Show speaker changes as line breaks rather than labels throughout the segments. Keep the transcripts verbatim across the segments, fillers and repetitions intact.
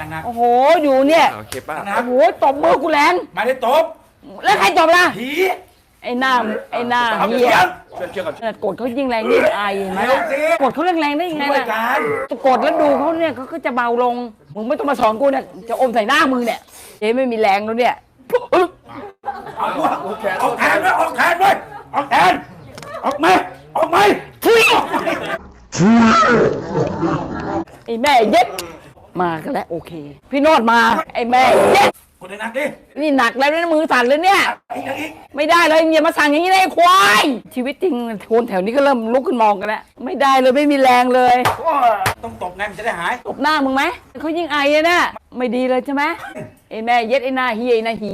หนัก
โอ้โหอยู่เนี่ย
โอเคป้า
หนัก
โอ้โหตบมือกูแรง
ไม่ได้ตบ
แล้วใครตบล่ะ
ผี
ไอ้หน้าไอ้หน้า
เอา
เหี้
เสี
ย
ยง
ช่วยเชื่อก่อน
กดเขายิ่งแรงยิ่งอายเห็นไหม
เร็วสิ
กดเขาแรงๆได้ยังไง
ช่วย
ล่ะ
กัน
กดแล้วดูเขาเนี่ยเขาก็จะเบาลงมึงไม่ต้องมาสอนกูเนี่ยจะอมใส่หน้ามึงเนี่ยเจ๊ไม่มีแรงแล้วเนี่ย
เอาด้วยออกแทนด้วยออกแทนด้วยออกแทนออกมาออกมา
ไอ้แม่เย็ดมากันแล้วโอเค พี่โนดมาไอ้แม่เย็ด
คนหนักดิ
นี่หนักแล้วนะมือสั่นเลยเนี่ย
อีกอีก
ไม่ได้เลยอย่ามาสั่งอย่างนี้นะไอ้ควายชีวิตจริงคนแถวนี้ก็เริ่มลุกขึ้นมองกันแล้วไม่ได้เลยไม่มีแรงเลย
ต้องตบไงมันจะได้หาย
ตบหน้ามึงไหมเขายิ่งไอเลยนะไม่ดีเลยใช่ไหมไอ้แม่เย็ดไอ้หน้าเฮียไอ้หน้าหี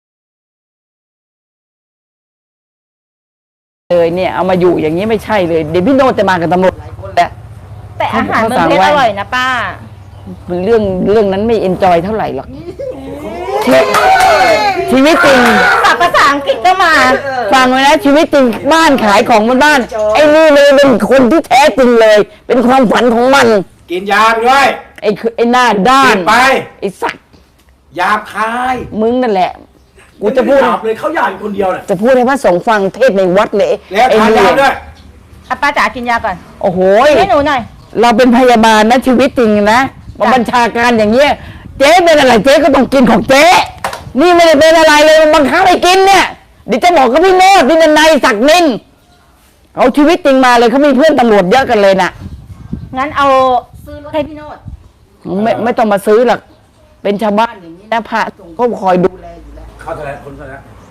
เลยเนี่ยเอามาอยู่อย่างนี้ไม่ใช่เลยเดี๋ยวพี่โนจะมากับตำรวจหลายคนแล้ว
แต่อาหารเมืองเพชรอร่อยนะป้า
เรื่องเรื่องนั้นไม่เอนจอยเท่าไหร่หรอกชีชีวิตจริง
ศัพท์ภาษาอังกฤษก็มา
ฟังไว้นะชีวิตจริงบ้านขายของบนบ้านไอ้นี่เลยเป็นคนที่แท้จริงเลย เป็นความฝันของมัน
กินยาไปด้วย
ไอ้คือไอ้หน้าด้า
กิ
น
นไป
ไอ้สัตว์
หยาบคาย
มึงนั่นแหละกูจะพูด
หยาบเลยเขาหยาบอยู่คนเดียวน่ะ
จะพูดให้พระสงฆ์ฟังเทศในวัดเลย
แล้ว
ไอ้
ทาน
นี่
ยาด้วย
อ่ะป้าจ๋ากินยาก่อน
โอ้โห
ให้หนูหน่อย
เราเป็นพยาบาลนะชีวิตจริงนะมาบัญชาการอย่างเงี้ยเจ๊เป็นอะไรเจ๊ก็ต้องกินของเจ๊นี่ไม่ได้เป็นอะไรเลยมันบังคับให้กินเนี่ยเดี๋ยวจะบอกกับพี่โนดพี่นันไนศักดิ์นินเอาชีวิตจริงมาเลยเขามีเพื่อนตำรวจเยอะกันเลยน่ะ
งั้นเอาซื้อรถให้พี่โนด
ไม่ไม่ต้องมาซื้อหรอกเป็นชาวบ้านอย่างนี้นะพระสงฆ์เขาคอยดูแลอยู่แล้ว
เขาเท่าไหร่คนเท่าไหร่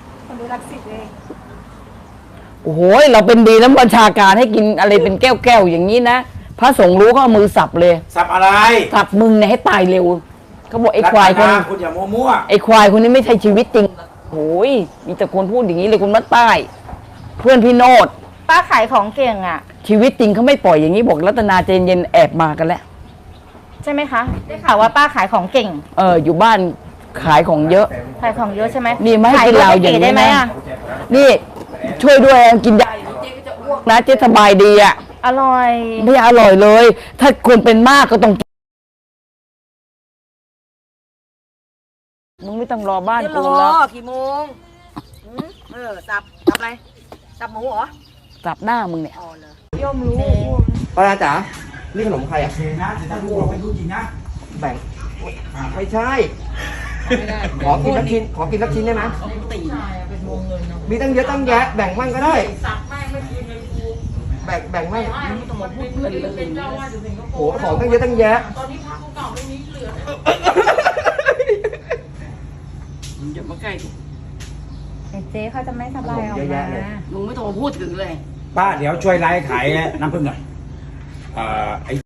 โอ้โหเราเป็นดีแล้วบัญชาการให้กินอะไรเป็นแก้วแก้วๆอย่างนี้นะพระสงฆ์รู้ก็เอามือสับเลย
สับอะไร
สับมึงเนี่ยให้ตายเร็วเขาบอกไอ้ควายคน
รัตคุณอย่ามั่ว
ไอ้ควายคนนี้ไม่ใช่ชีวิตจริงโอ้ยมีแต่คนพูดอย่างนี้เลยคนมัดใต้ เพื่อนพี่โนด
ป้าขายของเก่งอ่ะ
ชีวิตจริงเขาไม่ปล่อยอย่างนี้บอกรัตนาเจนเย็นแอบมากันแล้ว
ใช่ไหมคะ ได้ข่าวว่าป้าขายของเก่ง
เอออยู่บ้านขายของเยอะ
ขายของเยอะใช่ไหม
นี่ไม่ให้
ขาย
กินเหล้าอย่างนี้
ได้ไหม
นะ
อ่ะ
นี่ช่วยด้วยกินยาอย่างนี้เจ๊ก็จะอ้วกนะเจ๊สบายดีอ่ะ
อร่อย
ไม่อร่อยเลย ถ้าคนเป็นมากก็ต้องมึงไม่ต้องรอบ้าน
เดี๋ยว
กู
ร
แล้ว
อกี่โมงหืมเออ สับ สับอะไร สับหมูเหรอ
กลับหน้ามึงเนี่ย
อ๋อเหรอ
ป้าจ๋านี่ขนมใครอ่ะ
โอเคนะแต่ถ้าพูดเราไม่รู้จริงนะ
แบ่ง ไม่ใช่ ขอกินสักชิ้น ขอกินสักชิ้นได้ไหมมีตั้งเยอะตั้งแยะ แบ่งมั่งก็ได้ แบ่งแบ่งมั่งโหของตั้งเยอะตั้งแยะ
มึงอย่ามาใกล้กู
เจ๊เขาจะไม่สบายออก
เยอะ
มา
แยะเลย
มึงไม่ต้องมาพูดถึงเลย
ป้าเดี๋ยวช่วยไลฟ์ขายน้ำผึ้งหน่อยเอ่อไอ้